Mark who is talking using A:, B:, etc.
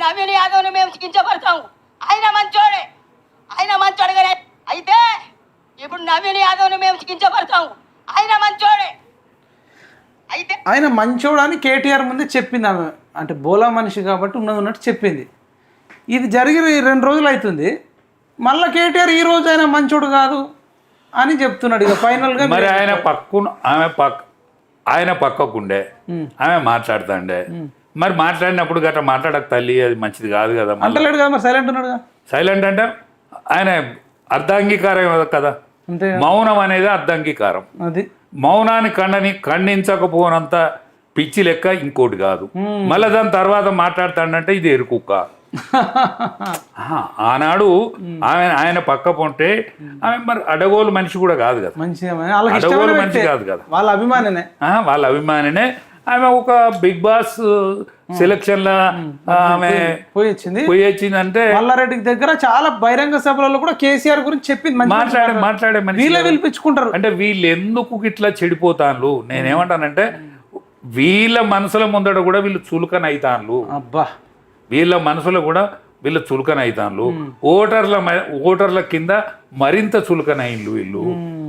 A: నవీన్ యాదవ్ని మేము కించపడతాము. ఆయన మంచోడే, ఆయన మంచోడు కానీ అయితే ఇప్పుడు నవీన్ యాదవ్ని మేము కించపడతాము. ఆయన మంచోడే అయితే
B: ఆయన మంచోడు అని కేటీఆర్ ముందే చెప్పింది ఆమె. అంటే బోలా మనిషి కాబట్టి ఉన్నది ఉన్నట్టు చెప్పింది. ఇది జరిగి 2 రోజులు అవుతుంది. మళ్ళీ కేటీఆర్ ఈ రోజు ఆయన మంచోడు కాదు అని చెప్తున్నాడు. ఇక ఫైనల్గా
C: మరి ఆయన పక్కకుండే ఆమె మాట్లాడుతాండే. మరి మాట్లాడినప్పుడు గట్రా మాట్లాడక తల్లి అది మంచిది కాదు కదా.
B: అంటలేడు కదా, మరి సైలెంట్ ఉన్నాడు.
C: సైలెంట్ అంటే ఆయన అర్ధాంగీకారం కదా. మౌనం అనేది అర్ధాంగీకారం.
B: అది
C: మౌనాన్ని ఖండించకపోనంత పిచ్చి లెక్క ఇంకోటి కాదు. మళ్ళీ దాని తర్వాత మాట్లాడతాడంటే ఇది ఎరుకుక్క. ఆనాడు ఆయన పక్క పొంటే ఆమె మరి అడగోలు మనిషి కూడా కాదు కదా, అడగోలు మనిషి కాదు కదా,
B: వాళ్ళ అభిమానినే.
C: ఆమె ఒక బిగ్ బాస్ సెలక్షన్ లా ఆమె పోయి వచ్చిందంటే
B: మల్లారెడ్డి దగ్గర చాలా బహిరంగ సభలలో కూడా కేసీఆర్ గురించి చెప్పింది.
C: మాట్లాడే
B: వీళ్ళే పిలిపించుకుంటారు.
C: అంటే వీళ్ళు ఎందుకు ఇట్లా చెడిపోతాను నేనేమంటానంటే వీళ్ళ మనసుల ముందట కూడా వీళ్ళు చులకన అవుతాను.
B: అబ్బా,
C: వీళ్ళ మనసులో కూడా వీళ్ళ చులకన అవుతాను. ఓటర్ల కింద మరింత చులకన అయిండ్లు వీళ్ళు.